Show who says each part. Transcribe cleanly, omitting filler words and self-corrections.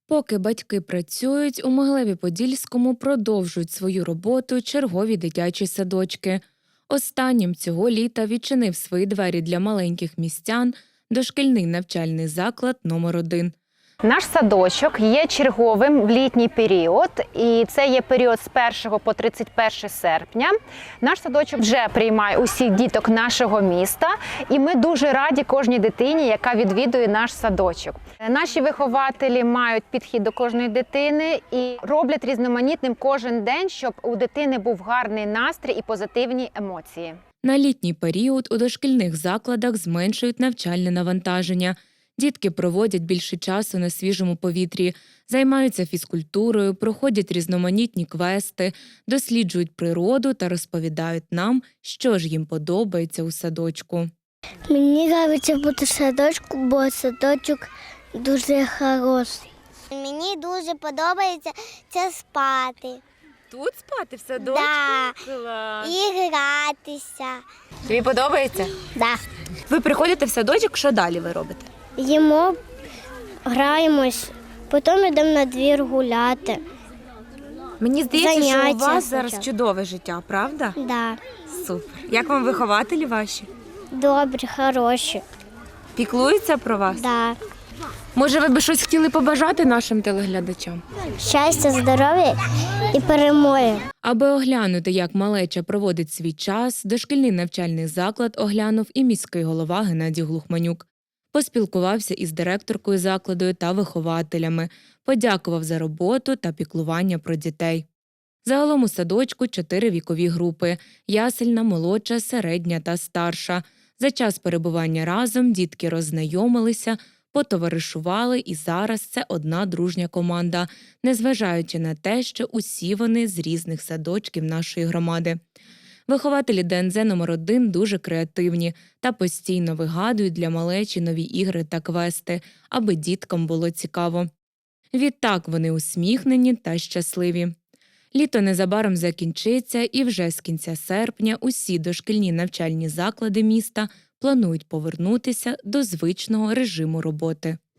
Speaker 1: Поки батьки працюють, у Могилеві-Подільському продовжують свою роботу чергові дитячі садочки. Останнім цього літа відчинив свої двері для маленьких містян дошкільний навчальний заклад номер 1.
Speaker 2: Наш садочок є черговим в літній період, і це є період з 1 по 31 серпня. Наш садочок вже приймає усіх діток нашого міста, і ми дуже раді кожній дитині, яка відвідує наш садочок. Наші вихователі мають підхід до кожної дитини і роблять різноманітним кожен день, щоб у дитини був гарний настрій і позитивні емоції.
Speaker 1: На літній період у дошкільних закладах зменшують навчальне навантаження. Дітки проводять більше часу на свіжому повітрі, займаються фізкультурою, проходять різноманітні квести, досліджують природу та розповідають нам, що ж їм подобається у садочку.
Speaker 3: Мені подобається бути в садочку, бо садочок дуже хороший. Мені дуже подобається спати.
Speaker 1: Тут спати в садочку?
Speaker 3: Да.
Speaker 1: Клас.
Speaker 3: І гратися.
Speaker 1: Тобі подобається?
Speaker 3: Да.
Speaker 1: Ви приходите в садочок, що далі ви робите?
Speaker 3: Їмо, граємось, потім йдемо на двір гуляти.
Speaker 1: Мені здається, що у
Speaker 3: Заняття
Speaker 1: вас зараз
Speaker 3: спочатку.
Speaker 1: чудове життя, правда?
Speaker 3: Да.
Speaker 1: Супер. Як вам вихователі ваші?
Speaker 3: Добрі, хороші.
Speaker 1: Піклуються про вас?
Speaker 3: Да.
Speaker 1: Може, ви б щось хотіли побажати нашим телеглядачам?
Speaker 3: Щастя, здоров'я і перемоги.
Speaker 1: Аби оглянути, як малеча проводить свій час, дошкільний навчальний заклад оглянув і міський голова Геннадій Глухманюк. Поспілкувався із директоркою закладу та вихователями, подякував за роботу та піклування про дітей. Загалом у садочку 4 вікові групи – ясельна, молодша, середня та старша. За час перебування разом дітки роззнайомилися, потоваришували, і зараз це одна дружня команда, незважаючи на те, що усі вони з різних садочків нашої громади. Вихователі ДНЗ номер 1 дуже креативні та постійно вигадують для малечі нові ігри та квести, аби діткам було цікаво. Відтак вони усміхнені та щасливі. Літо незабаром закінчиться, і вже з кінця серпня усі дошкільні навчальні заклади міста планують повернутися до звичного режиму роботи.